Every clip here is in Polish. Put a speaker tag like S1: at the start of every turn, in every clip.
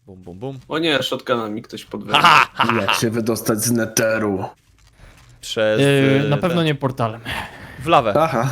S1: Bum, bum, bum.
S2: O nie, shotguna mi ktoś podwędził.
S3: Jak się wydostać z neteru?
S1: Przez...
S4: Na pewno nie portalem.
S1: W lawę.
S3: Aha.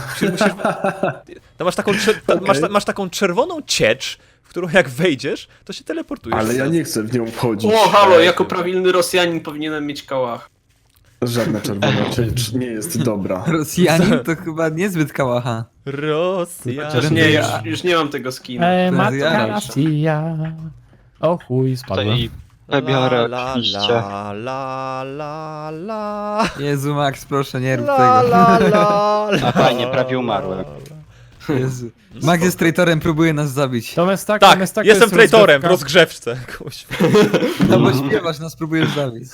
S1: To masz taką, masz taką czerwoną ciecz, w którą jak wejdziesz, to się teleportujesz.
S3: Ale ja nie chcę w nią wchodzić.
S2: O, halo, jako prawilny Rosjanin powinienem mieć kałach.
S3: Żadna czerwona ciecz nie jest dobra.
S5: Rosjanin to chyba niezbyt kałacha.
S1: Rosja.
S2: Chociaż nie, już nie mam tego skina.
S4: Matka
S5: zjaraj
S4: Rosja. O chuj, spadłem.
S6: Tutaj wybiorę
S1: La,
S6: oczywiście.
S1: la, la, la, la.
S5: Jezu, Max, proszę, nie rób
S1: La,
S5: tego.
S1: la, la, la.
S6: A fajnie, prawie umarłem.
S5: Jezu. Max jest traitorem, próbuje nas zabić.
S4: To Mestak,
S1: Tak,
S4: Mestak
S1: jestem
S4: jest
S1: traitorem w
S4: rozgrywka.
S1: rozgrzewce. Kuźwa.
S5: No bo śpiewasz, nas próbujesz zabić.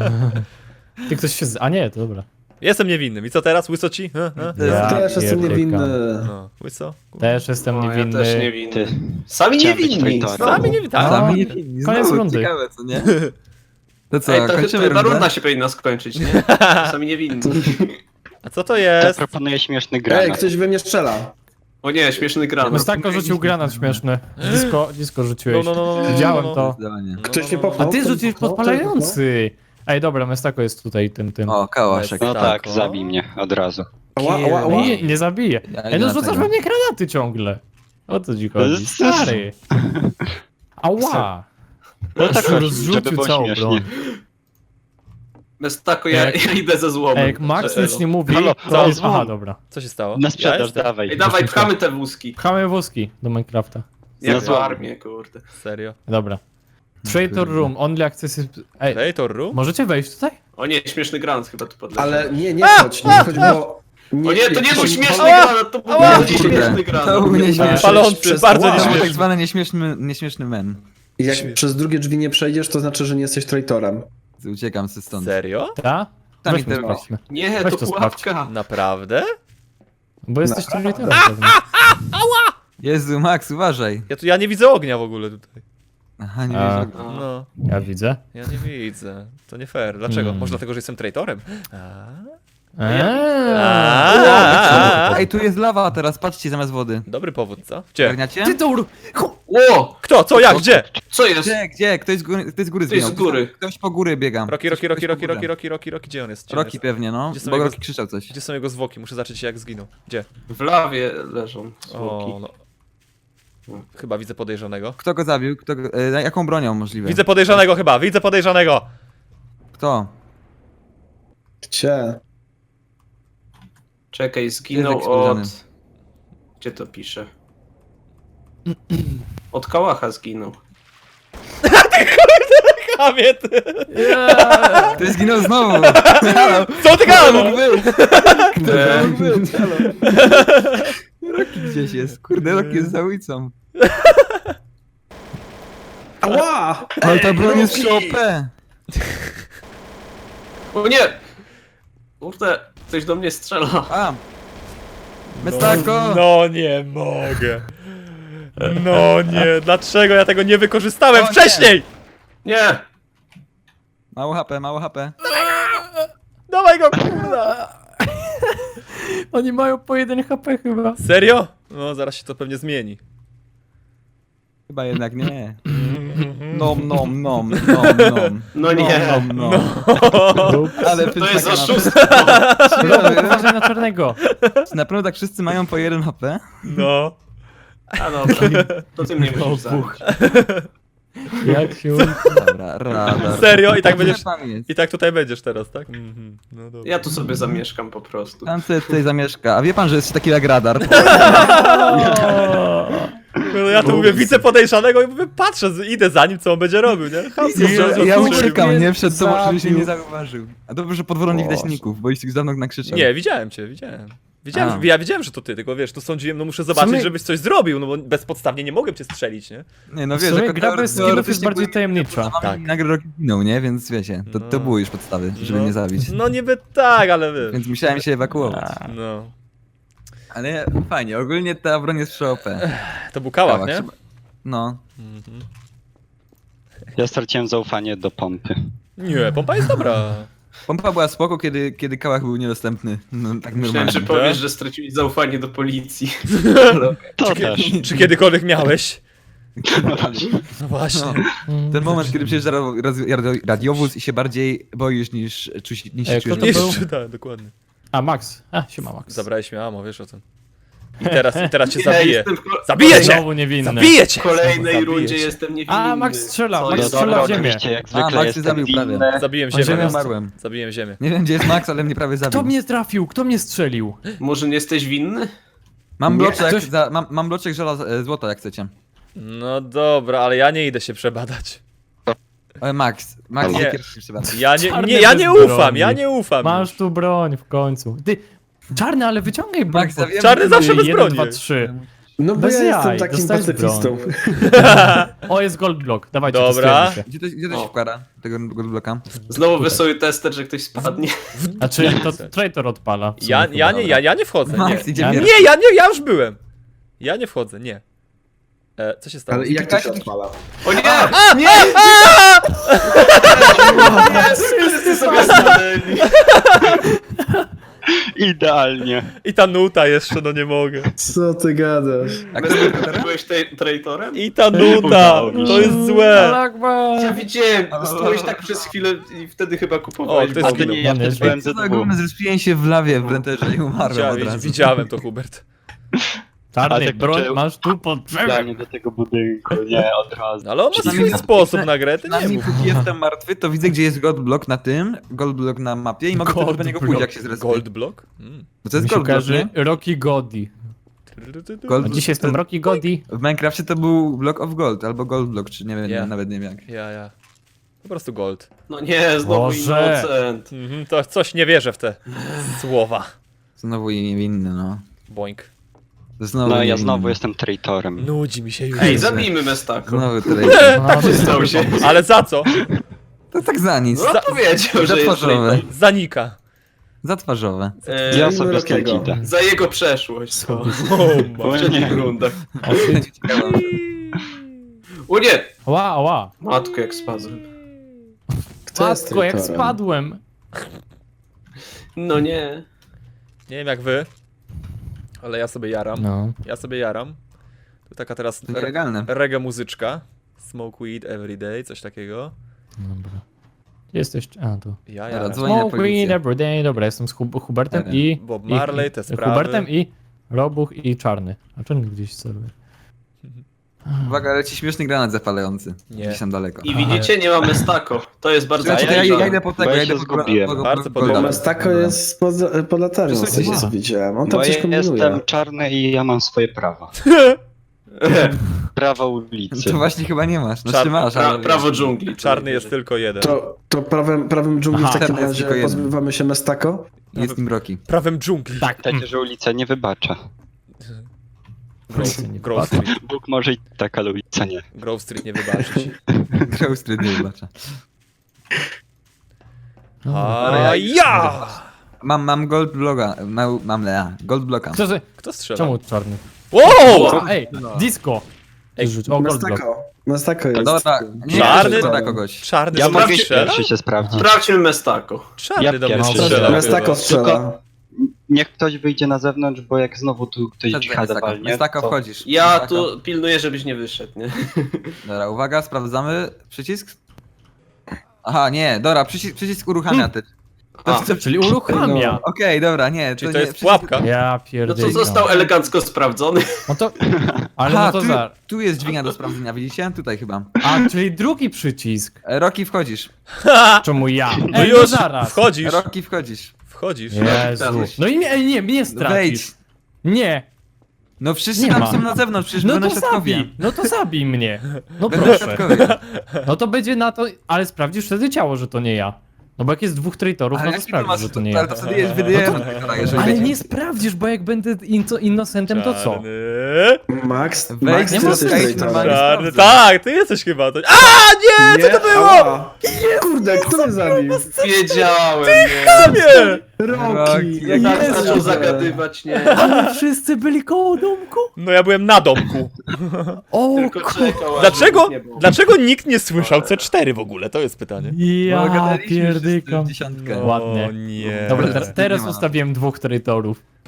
S4: Ty ktoś się A nie, to dobra.
S1: Jestem niewinnym. I co teraz? Łyso ci?
S4: Ja
S3: Też jestem
S4: pierdykam.
S3: niewinny.
S1: No, łyso?
S4: Też jestem
S2: O, ja
S4: niewinny.
S2: też niewinny.
S6: Ty.
S2: Sami
S6: Chciałem być
S2: niewinni.
S6: traitorem.
S1: Sami nie witam.
S5: Sami nie winni.
S4: Koniec
S5: Znowu,
S4: rundy.
S5: ciekawe, co nie? To co,
S2: Ej, to
S5: kończymy
S2: ta
S5: rundę?
S2: runda się powinna skończyć, nie? Sami niewinni.
S1: A co to
S6: Ja
S1: jest?
S6: proponuję śmieszny
S3: Ej,
S6: granat.
S3: ktoś we mnie strzela.
S2: O nie, śmieszny granat.
S4: Mestako rzucił granat śmieszny. Disco rzuciłeś.
S1: No.
S4: Widziałem to.
S5: Zdecydowanie.
S3: Ktoś mnie
S4: A
S3: popchnął.
S4: ty
S3: Ktoś
S4: rzuciłeś
S3: popchnął?
S4: podpalający. Ej, dobra, Mestako jest tutaj tym.
S5: O, kałaszek.
S6: No tak,
S1: o.
S6: zabij mnie od razu.
S3: Ała, ała, ała.
S4: Nie zabije.
S5: Ja
S4: Ej,
S5: idę
S4: no
S5: na
S4: rzucasz
S5: tego.
S4: we mnie granaty ciągle. O co ci chodzi? Stary. Ała.
S6: No tak, żeby
S4: Rozrzucił
S6: było
S4: całą
S6: śmiesznie.
S4: broń.
S2: Mestako, ja idę ze złomem.
S4: Ej, jak Max nic nie mówi,
S6: Halo,
S4: to
S6: halo,
S4: jest... Aha,
S6: złom.
S4: dobra.
S1: Co się stało?
S6: Na sprzedaż,
S1: jestem?
S6: dawaj.
S2: Ej, dawaj, pchamy te wózki.
S4: Pchamy wózki do Minecrafta.
S2: Jak
S6: Na
S2: w
S6: złom.
S2: armię, kurde.
S1: Serio?
S4: Dobra. Traitor Room, only access is... Ej,
S1: Traitor Room?
S4: możecie wejść tutaj?
S2: O nie, śmieszny granat chyba tu podleciał.
S3: Ale nie chodź, nie chodź, bo...
S2: O nie, to nie był śmieszny
S1: Ała!
S2: granat, to był
S1: Ała!
S2: bardziej śmieszny
S5: To
S2: granat.
S5: był nieśmieszny.
S1: Palący,
S3: Przez-
S1: bardzo
S3: Wow.
S5: To był tak
S1: nieśmieszny.
S5: zwany nieśmieszny men.
S3: Jak przez drugie drzwi nie przejdziesz, to znaczy, że nie jesteś traitorem.
S5: Uciekam se stąd.
S1: Serio?
S4: Ta?
S5: Tam
S4: Weźmy,
S5: internet.
S4: sprawdźmy.
S2: Nie,
S4: Weź
S2: to
S4: to
S2: pułapka.
S1: Naprawdę?
S4: Bo jesteś traitorem pewnie.
S5: Jezu, Max, uważaj.
S1: Ja nie widzę ognia w ogóle tutaj.
S5: Aha, nie
S4: A.
S5: wiesz.
S1: No,
S4: Ja widzę.
S1: ja nie widzę. To nie fair. Dlaczego? Może dlatego, że jestem traitorem?
S5: Ej, tu jest lawa teraz, patrzcie, zamiast wody.
S1: Dobry powód, co? Gdzie?
S5: Garniacie?
S2: O,
S1: Kto? Co? Jak? Gdzie?
S2: co jest?
S5: Gdzie? Ktoś z góry
S2: Ktoś z
S5: zginął.
S2: góry.
S5: Ktoś po góry biega.
S1: Rocky. Gdzie on jest? Gdzie on
S5: Rocky
S1: jest?
S5: pewnie, no.
S1: Gdzie są
S5: Bo
S1: jego-
S5: Rocky krzyczał coś.
S1: Gdzie są jego zwłoki? Muszę zacząć jak zginął. Gdzie?
S2: W lawie leżą
S1: O,
S2: zwłoki.
S1: no. Chyba widzę podejrzanego.
S5: Kto go zabił? Jaką bronią możliwe?
S1: Widzę podejrzanego chyba, widzę podejrzanego!
S5: Kto?
S3: Gdzie?
S2: Czekaj, zginął
S5: Jest eksplozjony.
S2: od... Gdzie to pisze? Od kałacha zginął.
S1: Kamie, ty!
S5: Ty zginął znowu!
S1: Co ty gadasz?
S5: Kto to mógł być? Halo. Rocky gdzieś jest. Kurde, Rocky jest za ulicą.
S3: Ała!
S5: Ale ta broń jest przy OP.
S2: O nie! Kurde, ktoś do mnie strzela.
S5: A! Mestako!
S1: No nie mogę. No nie, dlaczego ja tego nie wykorzystałem
S5: O nie.
S1: wcześniej?
S2: Nie!
S5: Mało HP, mało HP.
S1: Dawaj go, kurwa.
S4: Oni mają po 1 HP chyba.
S1: Serio? No zaraz się to pewnie zmieni.
S5: Chyba jednak nie. Nom.
S2: No nie.
S5: Nom. Ale
S2: To jest
S5: pytania
S2: oszustwo.
S4: Uważaj na czarnego.
S5: na pewno tak wszyscy mają po 1 HP?
S1: No.
S2: A dobra, to ty mnie musisz zabić.
S4: Jak się...
S5: Dobra, radar.
S1: Serio? I tak
S5: Gdzie
S1: będziesz...
S5: pan jest?
S1: I tak tutaj będziesz teraz, tak? Mhm. No dobra.
S2: Ja tu sobie zamieszkam po prostu.
S5: Pan sobie tutaj zamieszka. A wie pan, że jest taki jak radar?
S1: No ja tu mówię, widzę podejrzanego i mówię, patrzę, idę za nim, co on będzie robił, nie?
S5: Ja uciekam, nie? Przed tobą,
S4: Zabił.
S5: żeby się nie zauważył. A dobrze, że pod wodą nie widać ników, bo już ich dawno nakrzyczał.
S1: Nie, widziałem cię, widziałem.
S5: A.
S1: Ja wiedziałem, że to ty, tylko wiesz, tu sądziłem, no muszę zobaczyć,
S4: sumie-
S1: żebyś coś zrobił, no bo bezpodstawnie nie mogłem cię strzelić, nie?
S5: Nie, no
S4: W
S5: wiesz,
S4: sumie
S5: jako
S4: gra bez skinów jest bardziej tajemnicza.
S1: Tak.
S5: Tak. Nagle Rocky ginął, nie? Więc wiecie, to
S1: No.
S5: były już podstawy, żeby
S1: No.
S5: mnie zabić.
S1: No niby tak, ale wiesz.
S5: Więc musiałem się ewakuować.
S1: No.
S5: Ale fajnie, ogólnie ta broń jest przy OP.
S1: To był kałach, nie?
S5: Trzeba- No.
S1: Mhm.
S6: Ja straciłem zaufanie do pompy.
S1: Nie, pompa jest dobra.
S5: Pompa była spoko, kiedy kałach był niedostępny. No tak
S2: Myślałem,
S5: normalnie.
S2: że powiesz, że straciłeś zaufanie do policji.
S6: To też.
S1: Czy kiedykolwiek miałeś? No właśnie.
S5: Ten moment, kiedy przyjeżdża radiowóz i się bardziej boisz niż się
S4: kto
S5: czujesz.
S4: to
S1: Nie
S4: był?
S1: czytałem, dokładnie.
S4: A, Max. Siema Max.
S1: Zabrałeś mi ammo, wiesz o tym. I teraz cię
S2: Ja
S1: zabiję.
S2: jestem
S1: Zabiję cię!
S4: Znowu niewinny.
S1: Zabiję cię!
S2: w kolejnej
S1: Zabiję
S2: rundzie
S1: cię.
S2: jestem niewinny.
S4: A, Max strzela,
S2: Co
S4: Max
S2: jest?
S4: strzela
S6: Dobra,
S4: w ziemię.
S6: oczywiście, jak
S5: A,
S6: zwykle
S5: Max się
S6: jestem
S5: zabił prawie.
S6: winny.
S1: Zabiłem
S4: On
S1: ziemię.
S4: ziemię
S5: Umarłem.
S1: Zabiłem ziemię.
S5: Nie wiem, gdzie jest Max, ale mnie prawie
S4: Kto
S5: zabił.
S4: mnie trafił? Kto mnie strzelił?
S2: Może nie jesteś winny?
S5: Mam
S3: Nie,
S5: bloczek,
S4: ktoś-
S5: mam bloczek złota, jak chcecie.
S1: No dobra, ale ja nie idę się przebadać.
S5: Max
S1: Nie.
S5: nie pierwszy trzeba.
S4: Czarny
S1: Ja nie
S4: bez
S1: ufam,
S4: broni.
S1: ja nie ufam.
S4: Masz tu broń w końcu. Ty, czarny, ale wyciągaj broń.
S5: Max, ja wiem,
S1: Czarny zawsze bez
S4: 1,
S1: broni
S4: 2,
S1: jest.
S4: 3.
S3: No bo
S4: Bez
S3: ja jestem
S4: jaj,
S3: takim
S4: dostałeś
S3: pacyfistą.
S4: O, jest gold block. Dawajcie,
S1: Dobra.
S4: testujemy się.
S5: Gdzie to się
S2: O.
S5: wkłada, tego bloka?
S2: Znowu wesoły tester, że ktoś spadnie.
S4: Znaczy, to traitor odpala. w sumie chyba.
S1: Ja nie wchodzę, nie.
S5: Max idzie
S4: Ja-
S5: pierwszy.
S1: Ja już byłem. Ja nie wchodzę, nie. Co się stało?
S3: Ale jak to się odpala?
S2: O nie! Nie! Wszyscy sobie stanęli.
S6: Idealnie.
S1: I ta nuta jeszcze, no nie mogę.
S3: Co ty gadasz?
S5: A kto był
S2: Ty byłeś traitorem?
S1: I ta nuta,
S6: Udało mi
S1: to
S6: się.
S1: jest złe.
S4: Akbar.
S2: Ja widziałem, stałeś tak przez chwilę i wtedy chyba kupowałeś
S1: O, to jest
S6: A to nie, ja
S4: Dobry.
S6: też byłem ze
S5: Co ogólnie
S6: dwóch.
S5: zrespiłem się w lawie w lenterze i umarłem od razu.
S1: Widziałem to, Hubert.
S4: Czarny,
S6: Ale tak
S4: broń
S6: zacząłem-
S4: masz tu pod drzewem.
S6: Idealnie do tego budynku, nie, od razu.
S1: Ale on ma
S5: Przynajmniej
S1: swój
S5: na-
S1: sposób na grę, ty nie
S5: Przynajmniej
S1: mów.
S5: póki jestem martwy, to widzę, gdzie jest gold block na tym, gold block na mapie i mogę
S4: Gold
S5: wtedy do niego
S4: block.
S5: pójść, jak się zrespię.
S1: Gold block?
S5: Bo to jest
S4: Mi się
S5: gold block,
S4: kojarzy
S5: nie?
S4: Rocky Godi.
S5: Gold
S4: A dzisiaj jestem Rocky Godi.
S5: W Minecrafcie to był block of gold, albo gold block, czy nie wiem,
S1: Yeah.
S5: nawet nie wiem jak.
S1: Ja. Po prostu gold.
S2: No nie, znowu
S4: Boże.
S2: innocent.
S1: To coś nie wierzę w te słowa.
S5: Znowu i niewinny, no.
S1: Boink.
S5: Znowu
S6: No ja
S5: niewinny.
S6: znowu jestem traitorem.
S1: Nudzi mi się już.
S2: Ej, zabijmy Mestako.
S5: Znowu tyle.
S4: No,
S2: Przystał się.
S1: Ale za co?
S5: To tak za nic.
S2: No powiedział, że jest
S5: Zatwarzowe.
S2: traitor.
S1: Zanika.
S5: Zatwarzowe.
S6: Ja
S3: Zabijmy
S6: sobie stąd
S3: Rockiego.
S6: idę.
S2: Za jego przeszłość.
S1: O,
S2: W
S6: O
S2: poprzednich
S6: nie.
S2: rundach.
S5: Ciekawe.
S2: O nie!
S4: Ła.
S2: Matko, jak spadłem.
S3: Kto jest
S4: Matko, jak
S3: traitorem?
S4: spadłem.
S2: No nie.
S1: Nie wiem jak wy, ale ja sobie jaram.
S4: No.
S1: Ja sobie jaram. Tu taka teraz
S5: To legalne.
S1: reggae muzyczka. Smoke weed every day, coś takiego.
S4: Dobra. Gdzie jesteś? A, tu.
S1: Ja
S5: Dobra,
S1: jaram.
S5: dzwonię na
S4: Smoke weed
S5: policję.
S4: every day. Dobra, jestem z Hubertem
S5: Dobra.
S4: i...
S1: Bob Marley, te sprawy.
S4: Hubertem i Robuch i Czarny. A Czarny gdzieś celuje.
S5: Uwaga, leci śmieszny granat zapalający.
S1: Nie.
S5: Gdzieś tam daleko.
S2: I widzicie, nie ma Mestako. To jest bardzo
S5: Słuchajcie, to
S2: podejrzane.
S5: ja idę po tego,
S6: Bo ja
S5: ja idę
S6: się
S5: po
S6: zgubiłem.
S1: Bardzo
S5: Golda.
S1: podoba.
S3: Mestako jest pod latarnią, z tego co widziałem. On tam
S6: Bo
S3: coś
S6: ja
S3: kombinuje.
S6: jestem czarny i ja mam swoje prawa. Prawa ulicy.
S5: To właśnie chyba nie masz. No
S1: Czarny.
S5: ty masz, ale...
S2: Prawo dżungli.
S1: Czarny jest tylko jeden.
S3: To prawem dżungli w
S4: Aha,
S3: takim
S5: teraz
S3: razie
S5: tylko jeden.
S3: pozbywamy się Mestako?
S5: Jest nim Rocky.
S1: Prawem dżungli.
S4: Tak.
S6: Pamiętajcie, że ulica nie wybacza.
S1: Grove Street.
S6: Bóg może i tak, ale ulica nie.
S1: Grove Street nie wybaczyć.
S5: Grał Street nie wybacza.
S1: A ja!
S5: Mam gold bloga. Mam gold bloka.
S1: Kto strzela?
S4: Czemu Czarny?
S1: Wow!
S4: O, ej, disco.
S1: Ej,
S4: Rzuć. O, gold block.
S3: Mestako jest.
S5: Dobra, nie
S1: Czarny?
S5: to da kogoś.
S1: Czarny
S6: Ja
S1: do
S6: mogę
S1: mnie strzela?
S6: pierwszy się sprawdzić.
S2: Sprawdźmy Mestako.
S1: Czarny
S6: Ja
S1: do mnie
S6: pierwszy
S1: strzela.
S3: Mestako
S1: chyba.
S3: strzela.
S6: Niech ktoś wyjdzie na zewnątrz, bo jak znowu tu ktoś dżihada walnie,
S5: Mestako
S6: to...
S5: wchodzisz.
S2: Ja
S5: Mestako.
S2: tu pilnuję, żebyś nie wyszedł, nie?
S5: Dobra, uwaga, sprawdzamy. Przycisk? Aha, nie, dobra, przycisk uruchamia ty.
S2: A,
S4: Czyli uruchamia.
S5: Okej, dobra, nie.
S1: Czyli
S5: nie,
S1: to jest
S5: przycisk-
S1: pułapka?
S4: Ja
S2: no
S4: pierdolę.
S2: to został elegancko sprawdzony.
S4: No to... Ale
S5: Aha,
S4: no to za...
S5: tu jest dźwignia do sprawdzenia, widzicie? Tutaj chyba.
S4: A, czyli drugi przycisk.
S5: Rocky wchodzisz.
S4: Czemu ja?
S1: No
S4: Ej,
S1: już,
S4: zaraz.
S1: wchodzisz,
S5: Rocky wchodzisz.
S1: wchodzisz.
S4: Jezu. No i nie, mnie stracisz.
S5: Wejdź.
S4: Nie.
S5: No wszyscy
S4: Nie
S5: tam
S4: ma.
S5: są na zewnątrz, przecież
S4: No
S5: będą
S4: to
S5: świadkowie.
S4: zabij. No to zabij mnie. No
S5: Będą
S4: proszę.
S5: świadkowie.
S4: No to będzie na to... Ale sprawdzisz wtedy ciało, że to nie ja. No bo jak jest dwóch traitorów, no to
S5: jaki
S4: sprawdzisz, że to nie
S5: ale
S4: ja.
S5: to wtedy jest wydajemy.
S4: Ale nie sprawdzisz, bo jak będę innocentem, to co?
S1: Czarny.
S3: Max,
S5: Wejdź,
S3: Max,
S5: nie
S3: ty
S5: ma
S3: jesteś
S5: skate
S3: traitorem.
S5: normalnie.
S1: Czarny.
S5: sprawdzę.
S1: Tak, ty jesteś chyba. To... A nie! Co to było?
S3: Ała. Kurde, kto mnie zabił?
S2: Wiedziałem, nie.
S1: Nie!
S3: Rocky.
S5: jak
S2: Tak
S3: Jezu.
S2: zaczął zagadywać, nie.
S4: Ale wszyscy byli koło domku?
S1: No ja byłem na domku.
S4: O,
S2: Tylko czekał, aż
S1: Dlaczego,
S2: nie było.
S1: dlaczego nikt nie słyszał C4 w ogóle? To jest pytanie.
S5: Bo
S4: ja
S5: gadaliśmy wszyscy
S4: pierdykam.
S5: w dziesiątkę.
S1: No,
S4: Ładnie.
S1: nie.
S4: Dobra,
S5: Nie
S4: teraz
S5: ma.
S4: ustawiłem dwóch traitorów.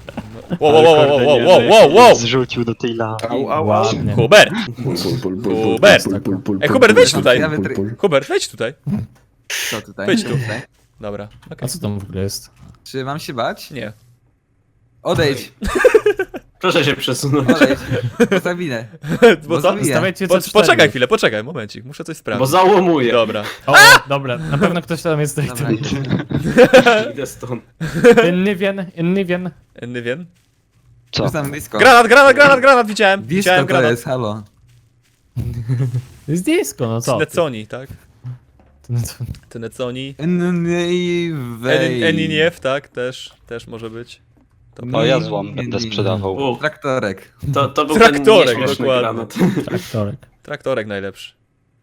S1: Wow!
S6: Zrzucił do tej lawy.
S4: Ładnie.
S1: Hubert! Hubert! Ej, Hubert, wejdź tutaj!
S5: Ja wytry-
S1: Hubert, wejdź tutaj.
S5: Co tutaj?
S1: Wejdź tu.
S5: Tutaj.
S1: Dobra,
S4: A
S1: okej.
S4: co tam w ogóle jest?
S5: Czy mam się bać?
S1: Nie.
S5: Odejdź,
S2: Proszę się przesunąć.
S5: odejdź. Zabinę.
S1: Bo co?
S5: zabiję.
S4: Stawiajcie
S1: Po,
S4: C4.
S1: poczekaj chwilę, poczekaj, momencik, muszę coś
S2: Bo
S1: sprawdzić.
S2: załamuję.
S1: Dobra.
S4: O, dobra, na pewno ktoś tam jest
S5: Dobra,
S4: traitorem.
S2: Idę stąd.
S4: Nywien.
S1: Nywien?
S6: Co?
S5: Jestem blisko.
S1: Granat, widziałem.
S5: Blisko
S1: Widziałem
S5: to
S1: granat.
S5: jest, halo.
S4: Jest disco, no co? ty?
S1: Neconi, tak?
S4: No to-
S1: Ty Neconi.
S5: Eniniew.
S1: tak, też może być. To
S6: O, ja
S1: prawda.
S6: złom będę sprzedawał.
S2: U,
S5: Traktorek.
S2: to był
S1: Traktorek,
S2: ten nieśmieszny
S1: dokładnie.
S2: granat.
S4: Traktorek.
S1: Traktorek najlepszy.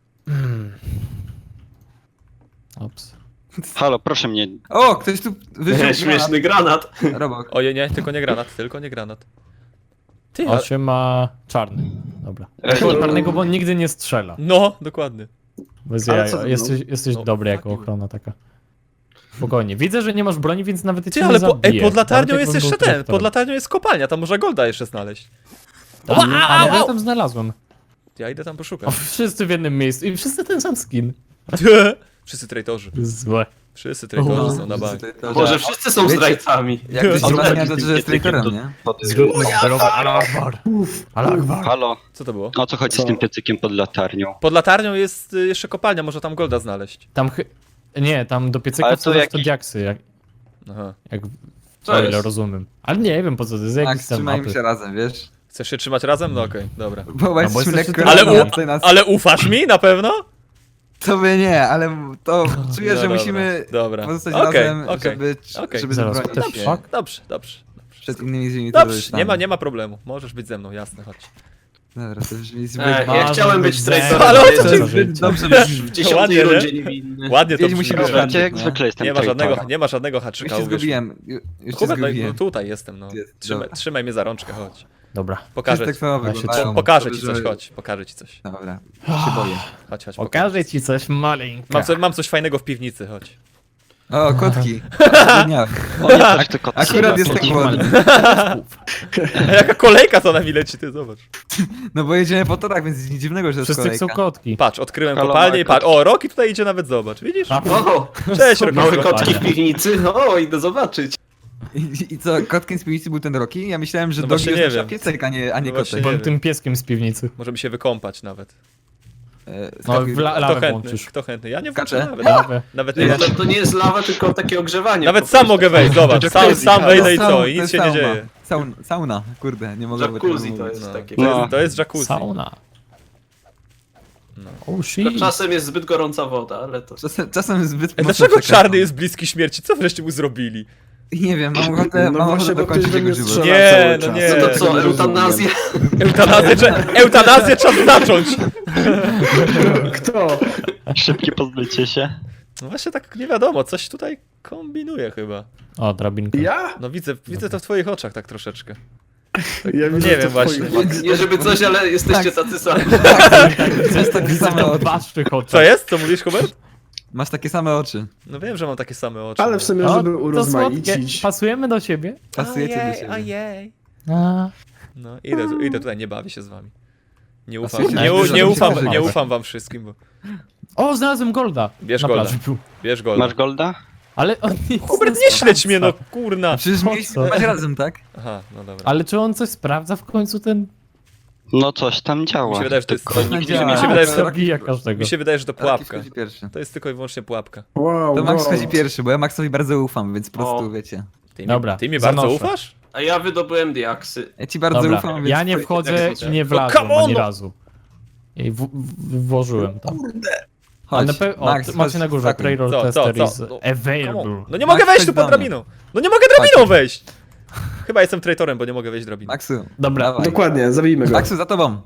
S4: Ops.
S6: Halo, proszę mnie.
S5: O, ktoś tu wyszedł.
S2: Śmieszny granat.
S5: Robok.
S1: Oje, nie, tylko nie granat. Ty, a...
S4: 8 ma czarny. Dobra. Czarnego, bo on nigdy nie strzela.
S1: No, dokładnie.
S4: Bez
S3: Ale
S4: jaja.
S3: co to
S4: Jesteś
S1: No,
S4: dobry jako ochrona taka. Spokojnie. Widzę, że nie masz broni, więc nawet cię
S1: Ty,
S4: nie
S1: ale
S4: zabiję.
S1: pod latarnią
S4: Nawet
S1: jest
S4: jakbym
S1: jeszcze
S4: był
S1: ten,
S4: traktorem.
S1: pod latarnią jest kopalnia, tam można golda jeszcze znaleźć.
S4: Ale ja tam znalazłem.
S1: Ja idę tam
S4: O,
S1: poszukać.
S4: wszyscy w jednym miejscu i wszyscy ten sam skin.
S1: Wszyscy traitorzy.
S4: Złe.
S1: Wszyscy traitorzy są na bank.
S2: Boże, wszyscy są
S5: Wiecie-
S2: zdrajcami.
S5: Jak ktoś
S4: Zróbmy
S5: ogarnia, to że jest traitorem, nie?
S4: Zróbmy zbiorowe Ale Akbar. Ale Akbar.
S6: Halo,
S1: Co to było?
S6: o co chodzi
S3: Co?
S6: z tym piecykiem pod latarnią?
S1: Pod latarnią jest jeszcze kopalnia, można tam golda znaleźć.
S4: Tam nie, tam do piecyka
S6: Ale to
S4: wsadzasz to
S6: jakiś-
S4: diaksy,
S1: Aha.
S4: jak
S2: Co
S4: o ile
S2: jest?
S4: rozumiem. Ale nie wiem po co to jest, jakiś
S5: Max,
S4: tam
S5: trzymajmy
S4: mapy.
S5: się razem, wiesz?
S1: Chcesz się trzymać razem? No okej, dobra.
S5: Bo
S4: bo
S5: jesteśmy
S4: jesteście
S5: lekko
S4: tylko-
S5: razem, nas...
S1: Ale ufasz mi na pewno?
S5: Tobie nie, ale to czuję,
S1: No
S5: że
S1: dobra,
S5: musimy
S1: dobra.
S5: pozostać
S1: Okej,
S5: razem,
S1: okej,
S5: żeby
S4: Zaraz,
S5: bronić
S4: what the
S5: się
S4: fuck?
S1: Dobrze.
S5: przed innymi złymi
S1: Dobrze,
S5: terrorystami.
S1: nie ma problemu. Możesz być ze mną, jasne, chodź.
S5: Dobra, to brzmi zbyt...
S2: Ja chciałem być traitorem,
S1: Ale o co
S2: jestem
S1: ci-
S5: zbyt dobrze
S2: w 10
S1: Ładnie, nie?
S2: rundzie niewinny.
S1: Ładnie to
S5: Wiedź musi
S1: brzmi.
S5: być
S6: Dobra,
S5: ranny,
S6: jak
S5: nie?
S6: zwykle jestem
S1: Nie ma
S6: traitorem.
S1: żadnego
S5: Już
S1: haczyka,
S5: się
S1: uwierz mi.
S5: zgubiłem, już się
S1: Hubert, no,
S5: zgubiłem.
S1: tutaj jestem, no.
S5: Jest, dobra.
S1: Trzymaj mnie za rączkę, chodź.
S4: Dobra.
S1: Pokażę
S5: Tak
S1: ci.
S5: samo
S4: Ja się
S5: wyglądają.
S4: trzymam.
S1: Pokażę ci
S5: Dobrze,
S1: coś,
S5: że-
S1: chodź. Pokażę ci coś.
S5: Dobra, się boję.
S1: Chodź.
S4: Pokażę ci coś maleńka.
S1: Mam coś fajnego w piwnicy, chodź.
S5: O, kotki. Dnia.
S6: O, ja też tylko
S5: Akurat jest tak ładnie.
S1: Jaka kolejka za nami leci, ty zobacz.
S5: No bo jedziemy po torach, więc nic dziwnego, że jest
S4: Wszyscy chcą
S5: kolejka.
S4: kotki.
S1: Patrz, odkryłem
S6: Halo,
S1: kopalnię i
S6: Marko.
S1: patrz. O, Roki tutaj idzie nawet, zobacz. Widzisz?
S4: A,
S2: O,
S1: Cześć, Roki.
S2: małe
S4: Kopalnia.
S2: kotki w piwnicy? O, idę zobaczyć.
S5: I co, kotkiem z piwnicy był ten Rocky? Ja myślałem, że
S1: No
S5: Dogi
S1: właśnie
S5: jest
S1: nie
S5: nasza
S1: wiem.
S5: piesek, a nie
S1: No właśnie
S5: kotek.
S1: nie
S4: Byłem tym pieskiem z piwnicy.
S1: Możemy się wykąpać nawet.
S4: No,
S5: Skakuj-
S4: w la-
S1: Kto
S4: lawę
S1: chętny?
S4: włączysz.
S1: Kto chętny? Ja nie
S5: Skaczę.
S1: włączę nawet.
S4: Lawę.
S1: Nawet
S2: Nie,
S1: nie.
S2: to nie jest lawa, tylko takie ogrzewanie.
S1: Nawet
S2: po
S1: sam
S2: prostu.
S1: mogę wejść, zobacz. Sam wejdę i co? I nic się nie dzieje.
S5: Sauna, kurde, nie mogę
S2: Jacuzzi to jest
S1: No.
S2: takie.
S1: To jest jacuzzi.
S4: Sauna.
S1: No.
S4: Oh shit.
S2: Czasem jest zbyt gorąca woda, ale to...
S5: Czasem zbyt mocno
S1: Dlaczego
S5: przekręcam.
S1: czarny jest bliski śmierci? Co wreszcie mu zrobili?
S5: Nie wiem, mam ochotę,
S3: No
S5: mam
S3: właśnie,
S5: ochotę
S3: bo ktoś
S5: dokończyć
S3: we
S5: jego
S3: mnie
S5: żywot.
S3: strzela
S1: Nie,
S3: cały
S1: no
S3: czas.
S1: nie.
S2: No to
S3: Tego
S2: co,
S3: nie rozumiem.
S2: eutanazja?
S1: Eutanazję czas zacząć!
S3: Kto?
S6: Szybkie pozbycie się.
S1: No właśnie tak nie wiadomo, coś tutaj kombinuje chyba.
S4: O, drabinka.
S3: Ja?
S1: No widzę to w twoich oczach tak troszeczkę.
S3: Ja widzę
S1: nie
S3: to
S1: wiem
S3: w
S1: właśnie.
S3: twoich-
S2: Nie żeby coś, ale jesteście tacy sami.
S5: To jest takie same oczy.
S4: Waszych oczach.
S1: Co jest? Co mówisz, Hubert?
S5: Masz takie same oczy.
S1: No wiem, że mam takie same oczy.
S3: Ale w sumie,
S4: O,
S3: żeby
S4: to słodkie.
S3: urozmaicić.
S4: Pasujemy do siebie.
S5: Pasujecie do siebie.
S1: Ojej.
S4: A,
S1: No idę tutaj, nie bawię się z wami. Nie ufam,
S5: Pasujecie
S1: nie,
S5: do siebie,
S1: nie, ufam,
S5: dobrze.
S1: nie ufam wam wszystkim, bo...
S4: O, znalazłem golda.
S1: Bierz
S4: Na
S1: golda.
S4: plaży był.
S1: Bierz golda.
S6: Masz golda?
S4: Ale on nie
S1: Hubert, nie śledź mnie, no kurna.
S5: Przecież
S4: Po
S5: mieliśmy
S4: co?
S5: spać razem, tak?
S1: Aha, no dobra.
S4: Ale czy on coś sprawdza w końcu ten...
S6: No coś tam działa.
S1: Mi się wydaje, że to jest...
S6: Tylko
S1: mi
S6: nikt
S5: działa.
S6: nie
S1: się wydaje, że to-
S4: Zabija każdego.
S1: Mi się wydaje, że to
S5: Rocky
S1: pułapka.
S5: wchodzi pierwszy.
S1: To jest tylko i wyłącznie pułapka.
S3: Wow,
S5: To Max
S3: wow.
S5: wchodzi pierwszy, bo ja Maxowi bardzo ufam, więc po prostu
S2: O.
S5: wiecie.
S4: Dobra,
S1: Ty mi bardzo
S4: zanoszę.
S1: ufasz?
S2: A ja wydobyłem diaksy.
S5: Ja ci bardzo
S4: Dobra,
S5: ufam, więc...
S4: ja nie wchodzę
S2: tak
S4: i nie
S1: No
S4: wlazłem
S1: come on,
S4: ani
S1: no.
S4: razu. I włożyłem tam.
S5: Chodź,
S4: Ale o,
S5: Max,
S4: macie na górze,
S5: wskakuj.
S4: Trailor
S1: Co,
S4: Tester
S1: co?
S4: is
S1: No, come
S4: available.
S1: on. No nie mogę
S5: Max,
S1: wejść
S5: chodź
S1: tu
S5: do
S1: pod
S5: mnie.
S1: drabiną. No nie mogę drabiną wejść! Chyba jestem traitorem, bo nie mogę wejść drabiną.
S5: Maxu,
S4: Dobra,
S5: dawaj.
S3: Dokładnie, zabijmy go.
S5: Maxu, za tobą.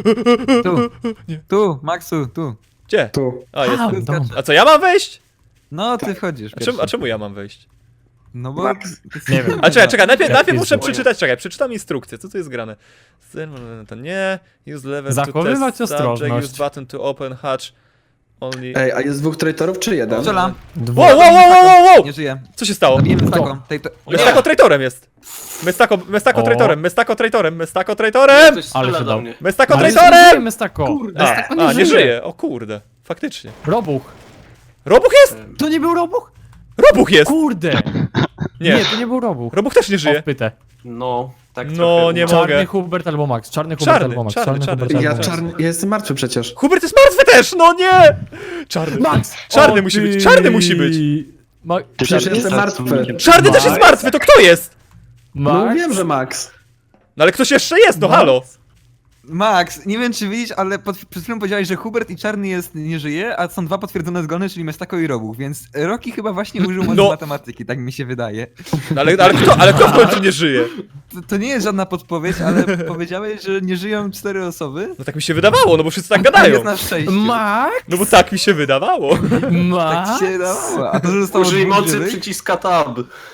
S5: Tu, Maxu, tu.
S1: Gdzie?
S3: Tu.
S1: A, jestem.
S4: dom.
S1: A co, ja mam wejść?
S5: No, ty wchodzisz
S1: A czemu ja mam wejść?
S5: No bo...
S4: Nie wiem.
S1: A czekaj, najpierw
S4: jest
S1: muszę
S4: to?
S1: przeczytać, przeczytam instrukcję, co tu jest grane. To nie, use lever
S4: Zachowywać
S1: to test
S4: ostrożność.
S1: subject, use button to open hatch. Only...
S3: Ej, a jest dwóch traitorów czy jeden?
S5: Strzelam.
S1: Wow, wow, wow, wow, wow!
S5: Nie żyje.
S1: Co się stało?
S5: Zabiłem Mestako.
S1: Mestako traitorem jest. Mestako
S4: O.
S1: traitorem, Mestako traitorem, Mestako traitorem!
S2: Ktoś
S4: Ale
S2: strzela
S4: się
S2: do
S4: dał.
S2: mnie.
S1: Mestako
S4: Ale
S1: traitorem!
S4: nie Mestako.
S1: A, nie żyje, o kurde. Faktycznie.
S4: Robuch.
S1: Robuch jest!
S4: To nie był Robuch?
S1: Robuch jest!
S4: Kurde.
S1: Nie,
S4: Nie, to nie był Robuch.
S1: Robuch też nie
S4: O,
S1: żyje.
S4: wpytę.
S2: No, tak
S1: No,
S2: trochę.
S1: nie
S4: Czarny
S1: mogę.
S4: Hubert albo Max. Czarny Hubert
S1: Czarny,
S4: albo Max.
S1: czarny,
S4: Hubert
S3: Ja,
S4: albo Max.
S3: ja jestem martwy przecież.
S1: Hubert jest martwy też, no nie! Czarny.
S4: Max!
S1: Czarny
S4: O,
S1: musi być,
S4: ty-
S1: czarny musi być.
S3: Przecież jestem martwy.
S1: Czarny też jest martwy, to kto jest?
S3: No
S4: Max?
S3: wiem, że Max.
S1: No ale ktoś jeszcze jest, no halo.
S5: Max, nie wiem czy widzisz, ale przed chwilą powiedziałeś, że Hubert i Czarny nie żyje, a są 2 potwierdzone zgony, czyli Mestako i Robuch, więc Rocky chyba właśnie użył mocy
S1: No.
S5: matematyki, tak mi się wydaje.
S1: No, ale kto w końcu nie żyje?
S5: To nie jest żadna podpowiedź, ale powiedziałeś, że nie żyją 4 osoby.
S1: No tak mi się wydawało, no bo wszyscy tak
S5: A
S1: gadają.
S5: jest na szczęście.
S4: Max?
S1: No bo tak mi się wydawało.
S5: Tak
S4: Max?
S5: ci się wydawało. A to, że zostało
S2: Użyj
S5: 2
S2: mocy
S5: żywych,
S2: przyciska tab.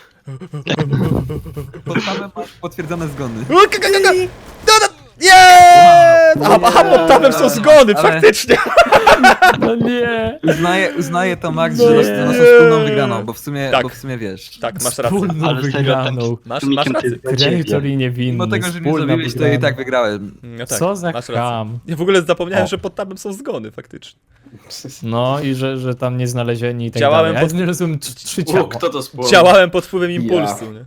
S5: pod tabem masz potwierdzone zgony.
S1: Nie! Aha, pod tabem są zgony,
S5: Ale-
S1: faktycznie.
S4: No nie.
S5: Uznaję to, Max,
S4: No
S5: że
S4: nie.
S5: naszą wspólną wygraną, bo w
S1: Tak.
S5: sumie wiesz.
S1: Tak, masz rację.
S4: Wspólną
S6: Ale serio,
S4: wygraną.
S1: Masz
S6: Tumikiem
S1: rację.
S6: to jest dla ciebie.
S4: Traitor i niewinny.
S5: Mimo tego, że mnie
S4: Wspólna
S5: zabiłeś, to i
S4: wygrana.
S5: tak wygrałem.
S1: No tak,
S4: Co za
S1: masz rację.
S4: kam.
S1: Ja w ogóle zapomniałem,
S4: O.
S1: że pod tabem są zgony, faktycznie.
S4: No i że tam nie znalezieni i tak
S1: Działałem
S4: dalej. Ja
S1: pod-
S4: znalazłem 3 ciała.
S2: Kto to spłował?
S1: Działałem pod wpływem impulsu, nie?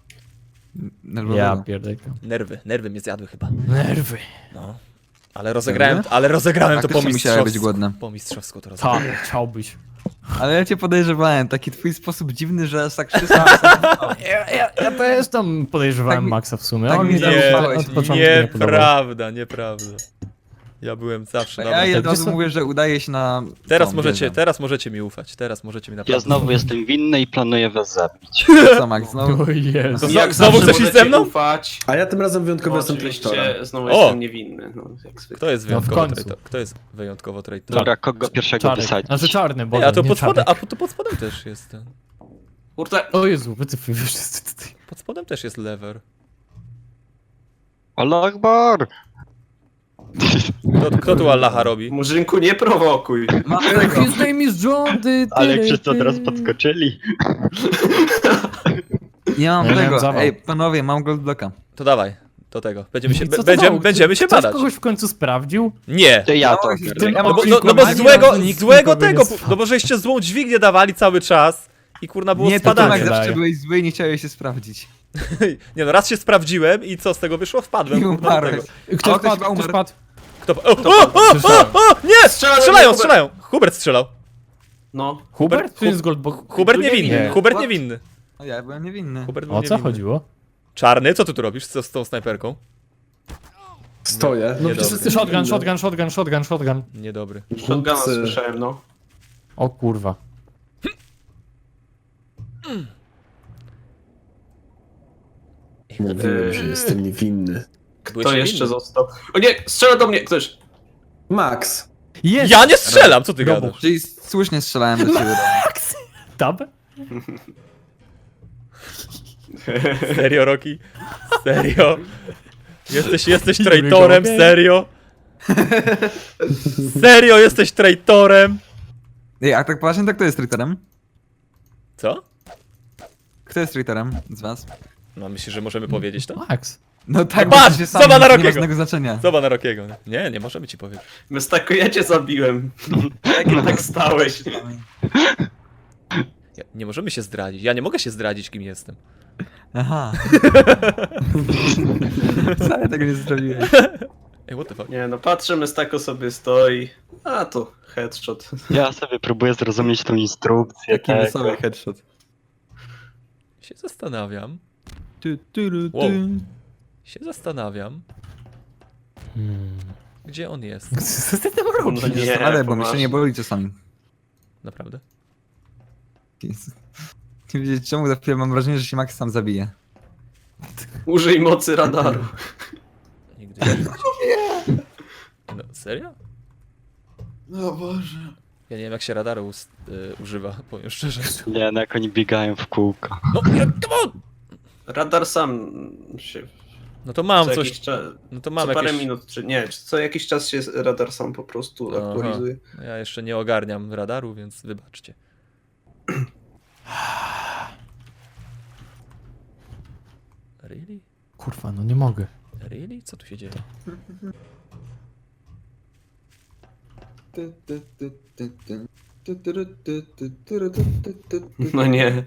S4: Ja pierdolę.
S1: Nerwy mnie zjadły chyba.
S4: Nerwy.
S1: No. Ale rozegrałem to po
S5: Faktycznie musiały być
S1: mistrzowsku.
S5: głodne.
S1: Po mistrzowsku to rozegrałem.
S4: Tak, chciałbyś.
S5: Ale ja cię podejrzewałem, taki twój sposób dziwny, że aż tak wszystko...
S4: Ja też tam podejrzewałem
S5: Tak mi-
S4: Maxa w sumie.
S5: tak
S4: On
S5: mi
S4: mi
S5: zaufałeś.
S4: od początku nie podobał.
S1: Nieprawda. Ja byłem zawsze
S5: Ja
S1: dobry.
S5: od
S4: Wiesz
S5: razu
S4: co?
S5: mówię, że udaje się na...
S1: Teraz
S5: tą
S1: możecie,
S5: wieżę.
S1: teraz możecie mi ufać. Teraz możecie mi naprawdę
S6: Ja znowu jestem winny i planuję was zabić.
S5: Co, Max, znowu?
S4: O Jezu.
S1: To
S2: Jak
S1: znowu
S2: zawsze
S1: chcesz iść
S2: możecie
S1: ze mną?
S2: Ufać.
S3: A ja tym razem wyjątkowo
S2: No,
S3: jestem traitorem.
S2: oczywiście znowu
S1: O!
S2: jestem niewinny. No, jak zwykle.
S1: Kto jest
S4: No w
S1: wyjątkowo
S4: końcu.
S1: traitor? Kto jest wyjątkowo traitor?
S6: Dobra, kogo pierwszego
S4: Czarny.
S6: wysadzić?
S4: Znaczy czarny, bo
S1: Ej, a to
S4: nie
S1: pod spodem,
S4: czarny.
S1: to pod spodem też jest ten.
S2: Kurde,
S4: O Jezu, wycyfuj wszyscy tutaj.
S1: Pod spodem też jest lever.
S6: Allah Akbar!
S1: Kto tu Allaha robi?
S2: Murzynku, nie prowokuj.
S4: His name is John,
S6: Ale jak wszyscy od razu podskoczyli.
S5: Nie mam
S4: Ja miałem
S5: tego.
S4: zawał.
S5: Ej, panowie, mam goldblocka.
S1: To dawaj, do tego. Będziemy się,
S4: I co to
S1: będziemy,
S4: dało?
S1: będziemy się
S4: Ktoś
S1: badać.
S4: kogoś w końcu sprawdził?
S1: Nie!
S6: To ja
S5: No,
S6: to.
S5: w
S4: tym-
S5: Ja
S1: No
S5: mam
S1: bo,
S5: kilku
S1: no bo
S5: magii,
S1: złego,
S4: ale nikt
S1: złego
S4: nikogo nie
S1: tego,
S4: spadł.
S1: no bo żeście złą dźwignię dawali cały czas i kurna było
S5: Nie, to Tomek
S1: spadanie.
S5: zawsze
S4: daje.
S5: byłeś zły i nie chciałeś się sprawdzić.
S1: Nie no, raz się sprawdziłem i co z tego wyszło? Wpadłem
S5: I
S1: kurna do
S5: umarłeś.
S1: tego.
S5: A
S4: Ktoś
S5: ktoś
S4: padł, ktoś
S5: umarł.
S4: padł.
S1: Kto... O, nie!
S2: Strzela do mnie,
S1: Strzelają,
S2: Hubert.
S1: strzelają! Hubert strzelał.
S2: No,
S4: Hubert? Czy jest Goldbox?
S1: Hubert niewinny,
S4: Nie.
S1: Hubert
S5: What?
S1: niewinny.
S5: O, ja byłem niewinny.
S1: Hubert był
S4: O co
S1: niewinny.
S4: chodziło?
S1: Czarny, co ty tu robisz z tą snajperką?
S3: Stoję. No
S1: Nie
S3: przecież
S1: dobry.
S3: jestem
S4: Shotgun.
S1: Niedobry.
S2: shotguna
S3: Chłopcy.
S2: słyszałem, no.
S4: O kurwa.
S3: Mówiłem, że jestem niewinny.
S1: Byłeś
S2: Kto
S1: niewinny.
S2: jeszcze został? O nie, strzela do mnie ktoś.
S3: Max.
S4: Jest!
S1: Ja nie strzelam, co ty
S4: Robuch.
S1: gadasz?
S5: Czyli słusznie strzelałem do ciebie.
S4: Tab?
S1: Serio, Rocky? Serio? Jesteś
S4: Nie
S1: traitorem,
S4: mogę.
S1: serio? Serio, jesteś traitorem?
S5: Ej, a tak poważnie, to kto jest traitorem?
S1: Co?
S5: Kto jest traitorem z was?
S1: No myślisz, że możemy powiedzieć to?
S4: Max.
S5: No tak,
S1: No patrz,
S5: bo się
S1: zobacz na
S5: nie ma
S1: Rockiego.
S5: żadnego znaczenia.
S1: Zobacz na Rockiego. Nie możemy ci powiedzieć.
S2: Mestako, ja cię zabiłem. Jak tak stałeś?
S1: Nie możemy się zdradzić. Ja nie mogę się zdradzić, kim jestem.
S5: Aha. Wcale tego nie zrobiłeś.
S1: Ej, what the fuck?
S2: Nie no, patrzę, Mestako sobie stoi. A to headshot.
S6: Ja sobie próbuję zrozumieć tą instrukcję.
S5: Jaki
S6: tak.
S5: wesoły headshot.
S1: Się zastanawiam.
S5: Tu.
S1: Wow. Się zastanawiam. Gdzie on jest?
S4: Co ty tam robisz?
S2: No nie,
S5: Ale bo mi się
S2: poważnie.
S5: nie boli czasami.
S1: Naprawdę?
S5: Nie wiedzieć czemu, za chwilę mam wrażenie, że się Max sam zabije.
S2: Użyj mocy radaru.
S1: Nigdy nie widziałem. No, serio?
S2: No Boże.
S1: Ja nie wiem, jak się radaru używa, powiem szczerze.
S6: Nie, no jak oni biegają w kółko.
S1: No, come on!
S2: Radar sam się...
S1: No to mam
S2: co
S1: coś.
S2: jakiś czas,
S1: No to mam
S2: co parę
S1: jakieś.
S2: minut, czy nie, co jakiś czas się radar sam po prostu
S1: Aha.
S2: aktualizuje.
S1: Ja jeszcze nie ogarniam radaru, więc wybaczcie. Really?
S4: Kurwa, no nie mogę.
S1: Really? Co tu się dzieje?
S2: No nie.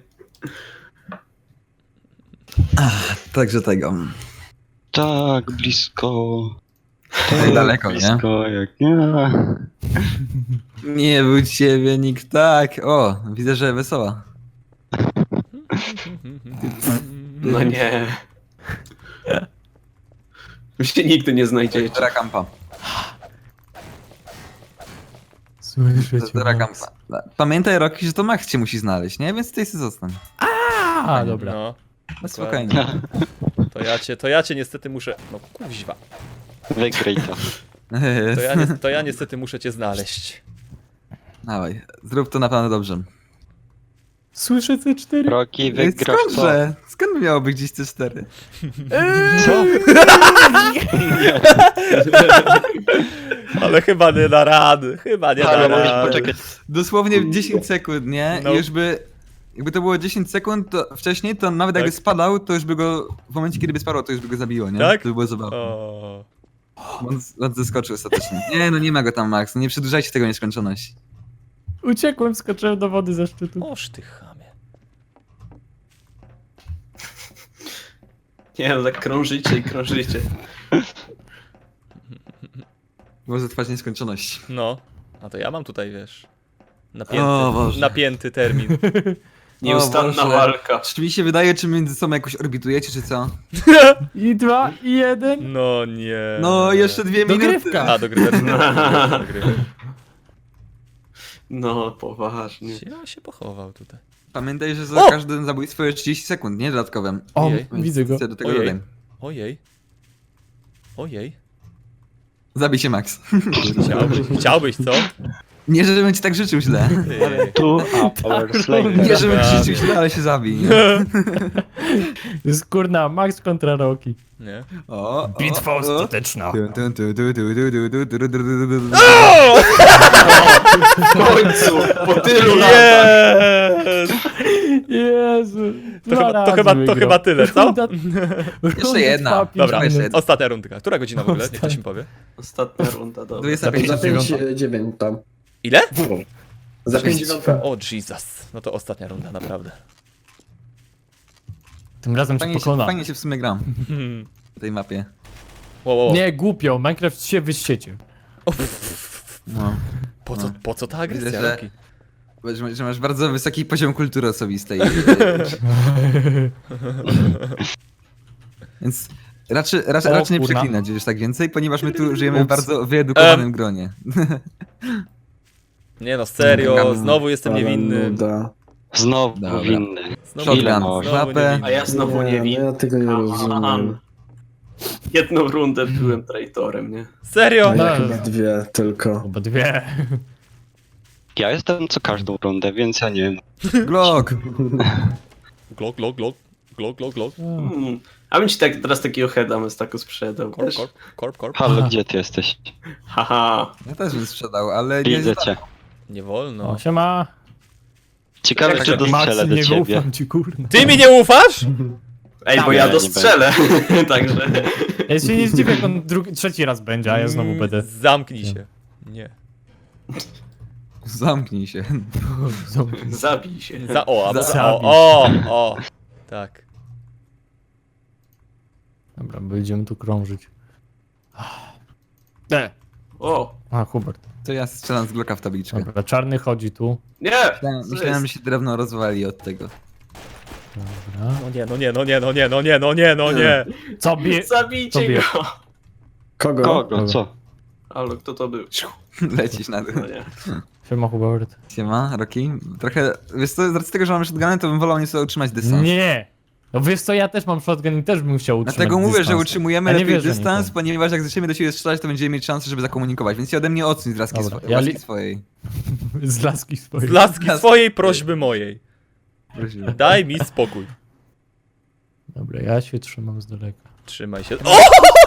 S5: Także tego.
S6: Tak, blisko.
S5: Tak daleko, nie?
S6: Blisko, jak nie.
S5: Nie był ciebie nikt tak. O, widzę, że wesoła.
S2: No nie. Wy się nigdy nie znajdziecie.
S5: Zera kampa.
S4: Słyszę cię.
S5: Zera
S4: Max.
S5: kampa. Pamiętaj, Rocky, że to Max cię musi znaleźć, nie? Więc tutaj sobie zostań.
S4: A, dobra.
S1: No,
S5: No spokojnie.
S1: to ja cię niestety muszę. No kuźwa.
S6: Wygraj to.
S1: To ja niestety muszę cię znaleźć.
S5: Dawaj, zrób to na pewno dobrze.
S4: Słyszę C4.
S6: Rocky, wygrasz to.
S5: Skądże? Skąd miało być gdzieś C4?
S6: Co?
S1: Ale chyba nie da rady. Chyba nie da
S6: Ale musisz
S1: rady.
S6: poczekać.
S5: Dosłownie 10 sekund, nie?
S1: No.
S5: I już by... Jakby to było 10 sekund to wcześniej, to nawet
S1: Tak.
S5: jakby spadał, to już by go... W momencie, kiedy by spadał, to już by go zabiło, nie?
S1: Tak?
S5: To by było zabawne.
S1: O.
S5: On zeskoczył ostatecznie. Nie, no nie ma go tam, Max. No nie przedłużajcie tego w nieskończoność.
S4: Uciekłem, skoczyłem do wody ze szczytu.
S1: Oż ty chamie.
S2: Nie, no tak krążycie i krążycie.
S5: Może trwać nieskończoność.
S1: No. A to ja mam tutaj, wiesz.
S5: O Boże.
S1: Napięty termin.
S2: Nieustanna
S5: Boże.
S2: walka.
S5: Czy mi się wydaje, czy między sobą jakoś orbitujecie, czy co?
S4: I 2, i 1.
S1: No nie.
S5: No, jeszcze 2 minuty.
S4: Dogrywka.
S1: A, dogrywka.
S2: No, poważnie.
S1: Ja się pochował tutaj.
S5: Pamiętaj, że za
S1: O!
S5: każde zabójstwo jest 30 sekund, nie dodatkowym.
S4: O,
S1: Ojej.
S4: widzę go.
S5: Do tego
S1: Ojej.
S5: dodaj.
S1: Ojej. Ojej.
S5: Zabij się, Max.
S1: Chciałbyś, co?
S5: Nie, żebym ci tak życzył źle.
S1: Ty.
S6: Tu, a Power Slayer.
S5: Nie, żebym ci
S1: Prawie.
S5: życzył źle, ale się zabij. Nie?
S4: Jest kurna, Max kontra Rocky.
S1: Nie.
S5: O,
S4: Bitwa ostateczna.
S2: W końcu, po tylu latach.
S1: Jest!
S4: Jezu.
S1: To chyba tyle, co?
S5: Jeszcze jedna.
S1: Dobra,
S5: Jeszcze jedna.
S1: ostatnia rundka. Która godzina w ogóle? Niech ktoś mi powie.
S2: Ostatnia runda, dobra.
S5: 25.
S3: Za 5-9 tam.
S1: Ile?
S3: Za 5-9.
S1: O Jesus. No to ostatnia runda, naprawdę.
S4: Tym razem cię pokona.
S5: Fajnie się w sumie gram
S1: Hmm.
S5: w tej mapie.
S1: Wow.
S4: Nie, głupio, Minecraft się wyściecie.
S1: O,
S5: No.
S1: po co ta agresja,
S5: Widzę, że-
S1: Rocky?
S5: Że masz bardzo wysoki poziom kultury osobistej. Więc raczej nie
S4: kurna.
S5: przeklinać już tak więcej, ponieważ my tu żyjemy w bardzo wyedukowanym gronie.
S1: Nie no, serio, znowu jestem niewinny.
S3: Nuda.
S6: Znowu
S5: Dobra.
S6: winny.
S1: Znowu,
S6: Ile
S5: Shotgun
S6: możesz?
S5: w łapę.
S2: A ja znowu nie
S3: no
S2: wiem.
S3: ja tego nie rozumiem.
S2: Jedną rundę byłem traitorem, nie?
S1: Serio?
S3: No
S4: No.
S3: ja chyba 2 tylko.
S4: Chyba 2.
S6: Ja jestem co każdą rundę, więc ja nie wiem.
S5: Glock!
S1: Glok.
S2: A bym ci tak teraz takiego heada z taką sprzedał, wiesz?
S1: Korp.
S6: Halo, gdzie ty jesteś?
S2: Haha.
S5: Ja też bym sprzedał, ale nie
S6: Widzę cię.
S1: Nie wolno.
S4: No, siema.
S6: Ciekawe,
S2: Jak
S6: czy
S2: taki
S4: Max,
S6: dostrzelę do
S4: nie
S6: ciebie.
S4: ufam ci, kurna.
S1: Ty mi nie ufasz?
S2: Ej, bo
S6: Nie,
S2: ja
S6: nie
S2: dostrzelę. Także.
S4: Ja się nie zdziwię, jak on trzeci raz będzie, a ja znowu będę.
S1: Zamknij się. Nie.
S5: Zamknij się.
S2: Zabij się.
S1: O. Tak.
S4: Dobra, będziemy tu krążyć.
S2: O.
S4: A, Hubert.
S5: To ja strzelam z Glocka w tabliczkę.
S4: Dobra, czarny chodzi tu.
S2: Nie!
S5: Myślałem, że się drewno rozwali od tego.
S4: Dobra.
S1: No nie.
S4: Co bie...
S2: Zabijcie
S4: Tobie.
S2: go!
S3: Kogo?
S6: Kogo, co?
S2: Halo, kto to był?
S5: Lecisz na dół.
S2: No nie.
S4: Siema, Hubert.
S5: Siema, Rocky. Trochę, wiesz co, z racji tego, że mam shotgunę, to bym wolał nieco utrzymać dystans.
S4: Nie! No wiesz co, ja też mam shotgun i też bym chciał utrzymać
S5: Dlatego mówię,
S4: dystans.
S5: że utrzymujemy
S4: A nie
S5: lepiej
S4: wierzę
S5: dystans,
S4: nikomu.
S5: ponieważ jak zaczniemy do siebie strzelać, to będziemy mieć szansę, żeby zakomunikować. Więc ja ode mnie odsuń z laski,
S4: Dobra,
S5: laski swojej.
S4: Z laski swojej.
S1: Z laski swojej prośby mojej.
S5: Prosiłem.
S1: Daj mi spokój.
S4: Dobra, ja się trzymam z daleka.
S1: Trzymaj się. O!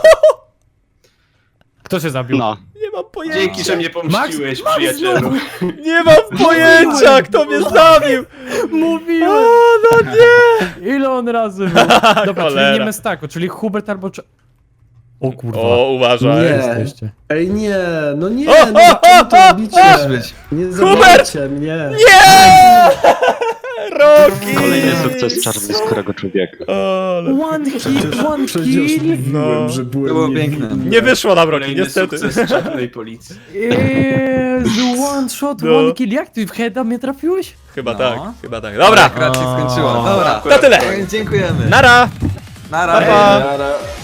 S4: Kto się zabił?
S6: No.
S1: Nie mam pojęcia.
S2: Dzięki, że mnie pomściłeś, przyjacielu.
S1: Nie mam pojęcia, kto mnie zabił.
S4: Mówiłem!
S1: O, no nie.
S4: Ile on razy był? Dobra, czyli
S1: Cholera.
S4: nie Mestako, czyli Hubert albo... O kurwa.
S1: O, uważaj.
S3: Nie.
S4: Jesteście.
S3: Ej, nie, no nie,
S1: O,
S3: no czemu to robicie?
S5: Może być.
S3: Nie
S1: Hubert!
S3: zabijcie mnie.
S1: Nie! Rocky!
S6: Kolejny sukces czarnoskórego człowieka.
S1: O, ale...
S4: One kill,
S3: Przecież
S4: kill.
S3: mówiłem,
S1: No.
S3: że
S5: To
S3: byłem
S5: było
S3: niewinny.
S5: piękne.
S1: Nie wyszło nam, Rocky,
S2: Kolejny
S1: niestety.
S2: sukces czarnej policji.
S4: Jezu, one shot,
S1: No.
S4: one kill. Jak ty w heada mnie trafiłeś?
S1: Chyba
S5: No.
S1: tak, chyba tak. Dobra,
S5: Akurat się skończyło.
S4: O.
S5: Dobra.
S1: to tyle.
S5: Dziękujemy.
S1: Nara!
S5: Nara.
S1: Pa, pa.
S2: Nara.